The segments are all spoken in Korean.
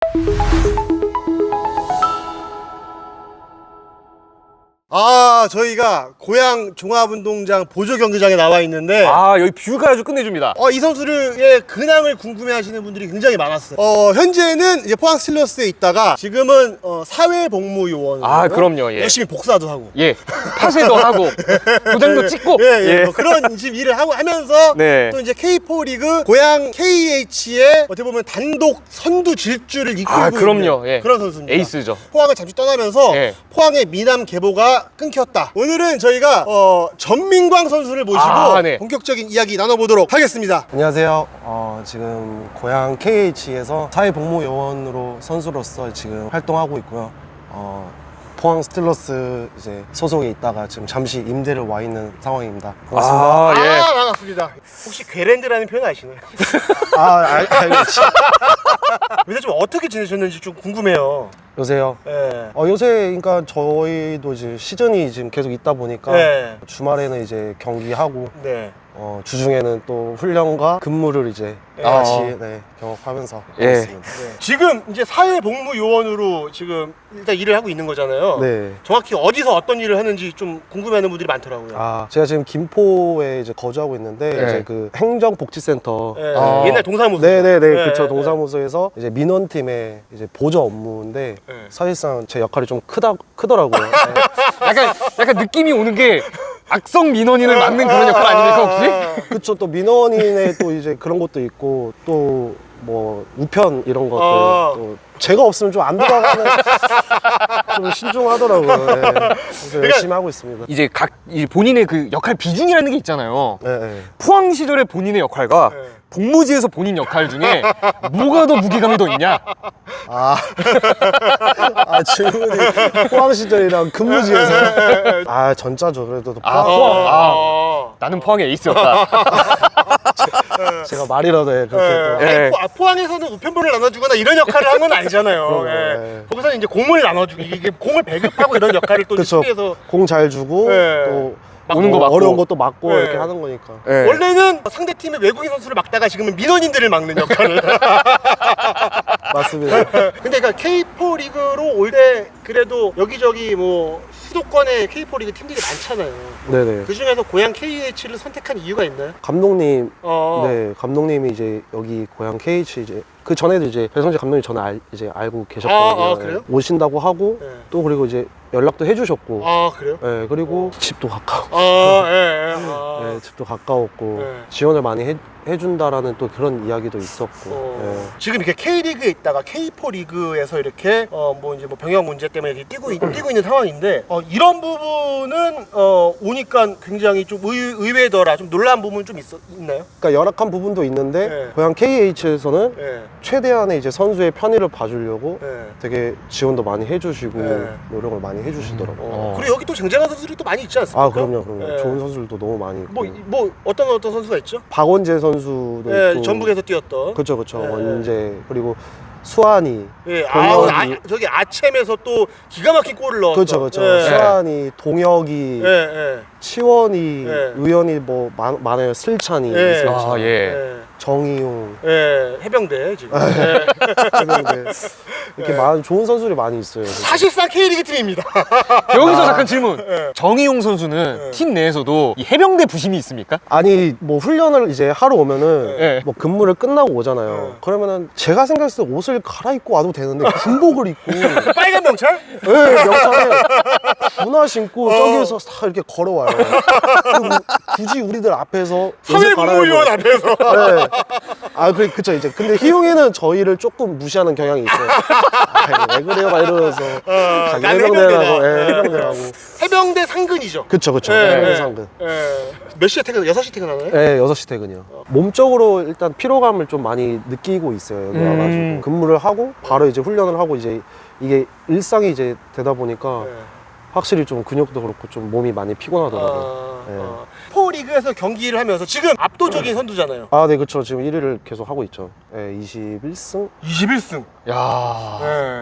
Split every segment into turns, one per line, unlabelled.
저희가 고양 종합운동장 보조경기장에 나와 있는데
여기 뷰가 아주 끝내줍니다.
이 선수의 근황을 궁금해하시는 분들이 굉장히 많았어요. 현재는 이제 포항 스틸러스에 있다가 지금은 사회복무요원으로
그럼요. 예.
열심히 복사도 하고
파쇄도 하고 도장도 찍고
뭐 그런 지금 일을 하면서
네.
또 이제 K4 리그 고양 KH의 어떻게 보면 단독 선두 질주를 이끌고
그럼요.
있는 그런 선수입니다.
에이스죠.
포항을 잠시 떠나면서 포항의 미남 계보가 끊겼다. 오늘은 저희가 전민광 선수를 모시고
네.
본격적인 이야기 나눠보도록 하겠습니다.
안녕하세요. 지금 고양 KH에서 사회복무요원으로 선수로서 지금 활동하고 있고요. 포항 스틸러스 이제 소속에 있다가 지금 잠시 임대를 와 있는 상황입니다. 반갑습니다.
반갑습니다. 혹시 괴랜드라는 표현 아시나요?
알겠지.
요새 좀 어떻게 지내셨는지 좀 궁금해요.
요새요?
네.
요새 그러니까 저희도 이제 시즌이 지금 계속 있다 보니까 주말에는 이제 경기하고 주중에는 또 훈련과 근무를 이제 같이 경험하면서 있습니다.
지금 이제 사회복무요원으로 지금 일단 일을 하고 있는 거잖아요.
네.
정확히 어디서 어떤 일을 하는지 좀 궁금해하는 분들이 많더라고요.
제가 지금 김포에 이제 거주하고 있는데 이제 그 행정복지센터
옛날 동사무소.
그쵸. 동사무소에서 이제 민원팀의 이제 보조 업무인데 사실상 제 역할이 좀 크더라고요.
약간 느낌이 오는 게 악성 민원인을 맡는 그런 역할 아닙니까 혹시?
그쵸. 또 민원인의 또 이제 그런 것도 있고 또 뭐 우편 이런 것들 또 제가 없으면 좀 안 돌아가는 좀 신중하더라고요. 그래서 열심히 하고 있습니다.
이제 본인의 그 역할 비중이라는 게 있잖아요. 포항 시절의 본인의 역할과 복무지에서 본인 역할 중에 뭐가 더 무게감이 더 있냐?
질문이 포항 시절이랑 근무지에서 전자죠. 그래도
포항. 나는 포항의 에이스였다.
제가 말이라도 그렇게
또 포항에서는 우편본을 나눠주거나 이런 역할을 한 건 아니잖아요. 거기서는 이제 공을 나눠주고 이게 공을 배급하고 이런 역할을 또 수비에서
공 잘 주고 또
오는 거 막고
어려운 것도 막고 이렇게 하는 거니까.
원래는 상대팀의 외국인 선수를 막다가 지금은 민원인들을 막는 역할을
맞습니다.
근데 그러니까 K4 리그로 올 때 그래도 여기저기 뭐 수도권에 K4 리그 팀들이 많잖아요.
네네.
그 중에서 고양 KH를 선택한 이유가 있나요?
감독님, 감독님이 이제 여기 고양 KH 이제 그 전에도 이제 배성재 감독님 저는 이제 알고 계셨거든요.
그래요?
오신다고 하고 또 그리고 이제 연락도 해주셨고.
그래요?
그리고 집도 가까워. 집도 가까웠고 지원을 많이 해준다라는 또 그런 이야기도 있었고.
지금 이렇게 K리그에 있다가 K4 리그에서 이렇게 뭐 이제 뭐 병역 문제 때문에 이렇게 뛰고 있는 상황인데 이런 부분은 오니까 굉장히 좀 의외더라. 좀 놀라운 부분 좀 있나요?
그러니까 열악한 부분도 있는데 고양 KH에서는 최대한의 이제 선수의 편의를 봐주려고 되게 지원도 많이 해주시고 노력을 많이 해주시더라고요.
그리고 여기 또 쟁쟁한 선수들이 또 많이 있지 않습니까?
그럼요. 좋은 선수들도 너무 많이 있고.
뭐 어떤 선수가 있죠?
박원재 선수도 있고.
전북에서 뛰었던.
그렇죠. 원재 그리고 수환이.
저기 아챔에서 또 기가 막힌 골을 넣었던.
그렇죠. 수환이, 동혁이, 치원이, 의원이 뭐 많아요. 슬찬이, 정희용,
해병대 지금.
해병대. 이렇게 많은 좋은 선수들이 많이 있어요.
사실상 K리그 팀입니다.
여기서 잠깐 질문. 정희용 선수는 팀 내에서도 이 해병대 부심이 있습니까?
아니 뭐 훈련을 이제 하러 오면은 뭐 근무를 끝나고 오잖아요. 그러면은 제가 생각했을 때 옷을 갈아입고 와도 되는데 군복을 입고
빨간 명찰?
명찰에 군화 신고 저기에서 다 이렇게 걸어와요. 굳이 우리들 앞에서
사회복무요원 앞에서.
그쵸 이제. 근데 희용이는 저희를 조금 무시하는 경향이 있어요. 왜 그래요? 막 이러면서 자기 해병대라고.
해병대 상근이죠.
그쵸. 해병대 상근.
몇 시에 퇴근? 6시 퇴근하나요?
네, 6시 퇴근이요. 몸적으로 일단 피로감을 좀 많이 느끼고 있어요. 여기 와가지고 근무를 하고 바로 이제 훈련을 하고 이제 이게 일상이 이제 되다 보니까 확실히 좀 근육도 그렇고 좀 몸이 많이 피곤하더라고요.
포리그에서 경기를 하면서 지금 압도적인 선두잖아요.
네, 그렇죠. 지금 1위를 계속 하고 있죠. 21승?
21승.
야.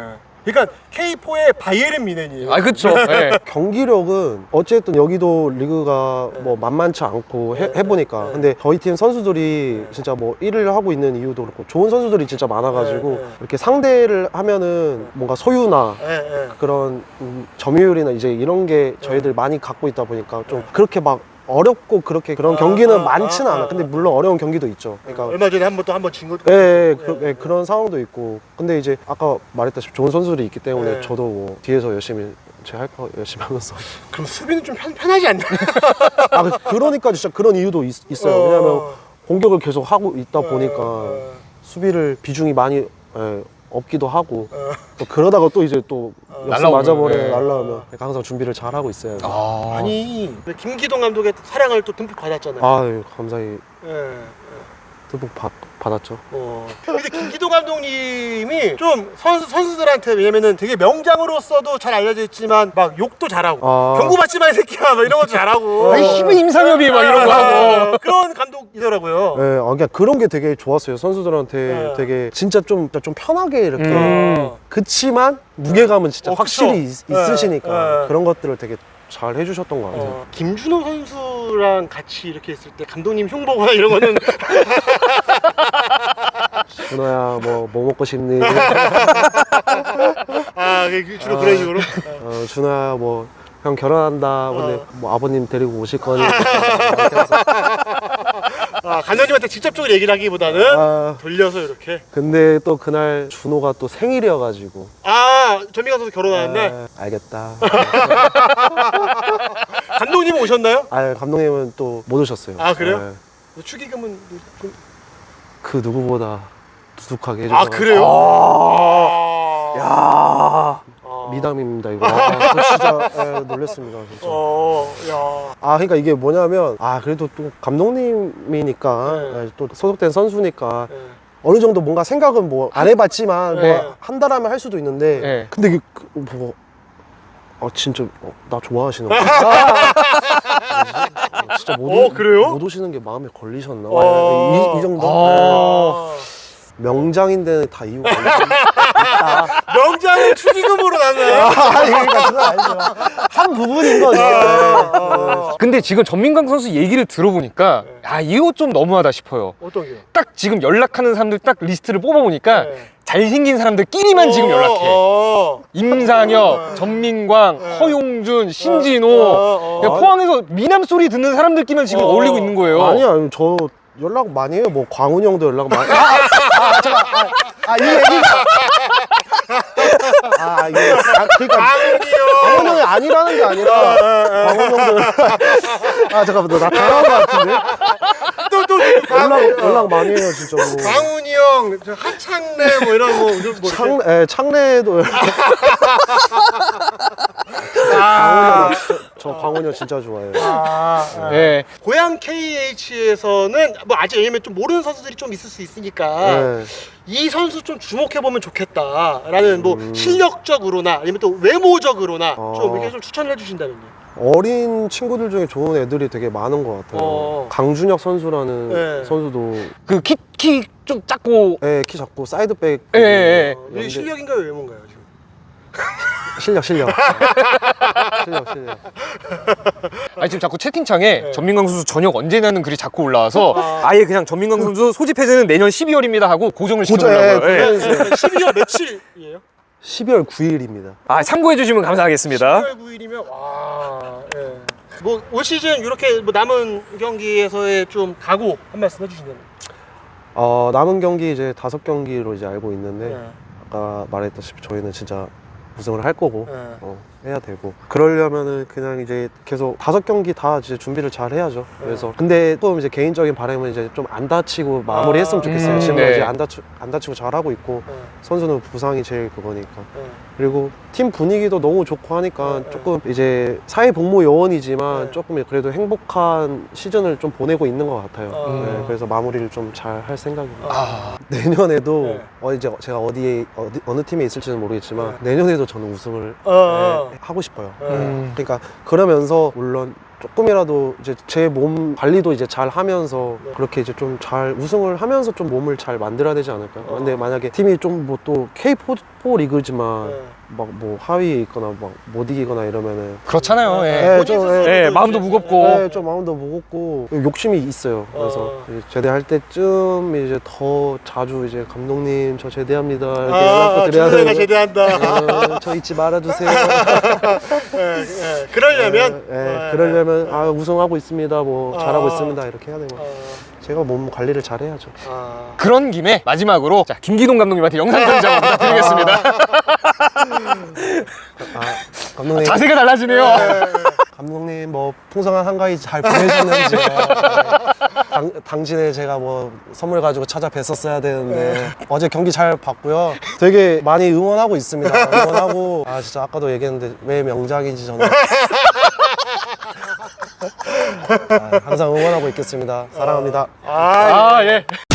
그러니까 K4의 바이에른 뮌헨이에요.
아 그쵸. 네.
경기력은 어쨌든 여기도 리그가 뭐 만만치 않고 해보니까 근데 저희 팀 선수들이 진짜 뭐 1위를 하고 있는 이유도 그렇고 좋은 선수들이 진짜 많아가지고 이렇게 상대를 하면은 뭔가 소유나 그런 점유율이나 이제 이런 게 저희들 많이 갖고 있다 보니까 좀 그렇게 막 어렵고 그렇게 그런 경기는 많지는 않아. 근데 물론 어려운 경기도 있죠. 그러니까
얼마 전에 한번 진 것도
그런 상황도 있고. 근데 이제 아까 말했다시피 좋은 선수들이 있기 때문에 저도 뭐 뒤에서 열심히 제 할 거 열심히 하면서.
그럼 수비는 좀 편하지 않나?
아 그러니까 진짜 그런 이유도 있어요. 왜냐면 공격을 계속 하고 있다 보니까 수비를 비중이 많이 없기도 하고 또 그러다가 또 이제 또 역습 맞아버리면 날라오면 항상 준비를 잘 하고 있어요.
아니 김기동 감독의 사랑을 또 듬뿍 받았잖아요.
아 감사히 듬뿍 받았죠.
근데 김기동 감독님이 좀 선수들한테 왜냐면은 되게 명장으로서도 잘 알려져 있지만 막 욕도 잘하고 경고받지 마 이 새끼야 막 이런 것도 잘하고
아니 힘은 임상엽이 막 이런 거 하고
그런 감독이더라고요.
네, 그러니까 그런 게 되게 좋았어요. 선수들한테 되게 진짜 좀 편하게 이렇게 그치만 무게감은 진짜 확실히 있으시니까 그런 것들을 되게 잘 해주셨던 것 같아요.
김준호 선수랑 같이 이렇게 있을 때 감독님 흉보거나 이런 거는
준호야 뭐 먹고 싶니?
주로 그런 식으로?
준호야 뭐 형 결혼한다. 근데 뭐 아버님 데리고 오실 거니?
감독님한테 직접적으로 얘기를 하기보다는 돌려서 이렇게.
근데 또 그날 준호가 또 생일이어가지고.
전민가 선수 결혼하는 날?
알겠다.
감독님은 오셨나요?
감독님은 또 못 오셨어요.
그래요? 축의금은 좀...
그 누구보다 두둑하게 해줘서.
그래요?
야 미담입니다 이거. 저 진짜 놀랐습니다 진짜. 그러니까 이게 뭐냐면 그래도 또 감독님이니까 또 소속된 선수니까 어느 정도 뭔가 생각은 뭐 안 해봤지만 뭐 한다라면 할 수도 있는데 근데 이게 뭐 진짜 나 좋아하시는 거야? 진짜
그래요?
못 오시는 게 마음에 걸리셨나? 이 정도? 명장인데 다 이유가 있다.
명장은 축의금으로 나눠요?
그러니까 그건 아니죠. 한 부분인 거죠.
근데 지금 전민강 선수 얘기를 들어보니까 이거 좀 너무하다 싶어요.
어떤 게요?
딱 지금 연락하는 사람들 딱 리스트를 뽑아보니까 잘생긴 사람들끼리만 지금 연락해. 임상혁, 전민광, 허용준, 신진호. 포항에서 미남 소리 듣는 사람들끼리만 지금 어울리고 있는 거예요.
아니요, 저 연락 많이 해요. 뭐 광훈이 형도 연락 많이. 잠깐. 이 얘기. 그러니까 광훈이 형이 아니라는 게 아니라 광훈이 형도. 잠깐만, 나 당한 거 같은데. 연락 많이 해요, 진짜. 뭐.
광훈이 형, 하창래 뭐 이런 뭐.
창래도. 저 광훈이 형 진짜 좋아해요.
고양 KH에서는 뭐 아직 왜냐면 좀 모르는 선수들이 좀 있을 수 있으니까 이 선수 좀 주목해보면 좋겠다라는 뭐 실력적으로나 아니면 또 외모적으로나 좀 이렇게 좀 추천을 해주신다면요.
어린 친구들 중에 좋은 애들이 되게 많은 것 같아요. 강준혁 선수라는 선수도
그 키 좀 작고
키 작고 사이드백
이게 실력인가요 외모인가요 지금?
실력.
지금 자꾸 채팅창에 전민강 선수 저녁 언제냐는 글이 자꾸 올라와서 아예 그냥 전민강 선수 소집 해제는 내년 12월입니다 하고 고정을 시켜보려고요.
12월 며칠이에요?
12월 9일입니다.
참고해 주시면 감사하겠습니다.
12월 9일이면 뭐 올 시즌 이렇게 뭐 남은 경기에서의 좀 각오 한 말씀 해주신다면.
남은 경기 이제 5경기로 이제 알고 있는데 아까 말했다시피 저희는 진짜 우승을 할 거고 해야 되고 그러려면은 그냥 이제 계속 5경기 다 이제 준비를 잘 해야죠. 그래서 근데 또 이제 개인적인 바람은 이제 좀 안 다치고 마무리했으면 좋겠어요. 지금 이제 안 다치고 잘 하고 있고 선수는 부상이 제일 그거니까. 그리고 팀 분위기도 너무 좋고 하니까 조금 이제 사회복무 요원이지만 조금 그래도 행복한 시즌을 좀 보내고 있는 것 같아요. 그래서 마무리를 좀 잘 할 생각입니다. 내년에도 이제 제가 어느 팀에 있을지는 모르겠지만 내년에도 저는 우승을 하고 싶어요. 그러니까 그러면서 물론 조금이라도 이제 제 몸 관리도 이제 잘 하면서 그렇게 이제 좀 잘 우승을 하면서 좀 몸을 잘 만들어야 되지 않을까요? 근데 만약에 팀이 좀 뭐 또 K4 리그지만 막 뭐 하위에 있거나 막 못 이기거나 이러면은
그렇잖아요. 예.
네, 좀,
예, 마음도 무겁고.
네, 좀 마음도 무겁고 욕심이 있어요. 그래서 이제 제대할 때쯤 이제 더 자주 이제 감독님 저 제대합니다 이렇게 연락도 드려야
내가
되고
제대한다.
저 잊지 말아주세요.
그러려면
그러려면 아 우승하고 있습니다 뭐 잘하고 있습니다 이렇게 해야 되고 제가 몸 관리를 잘해야죠.
그런 김에 마지막으로 자, 김기동 감독님한테 영상 편지 한번 부탁드리겠습니다.
감독님
자세가 달라지네요.
감독님 뭐 풍성한 한가위 잘 보내셨는지 당신의 제가 뭐 선물 가지고 찾아뵀었어야 되는데 어제 경기 잘 봤고요. 되게 많이 응원하고 있습니다. 응원하고 진짜 아까도 얘기했는데 왜 명작인지 저는 항상 응원하고 있겠습니다. 사랑합니다.
예.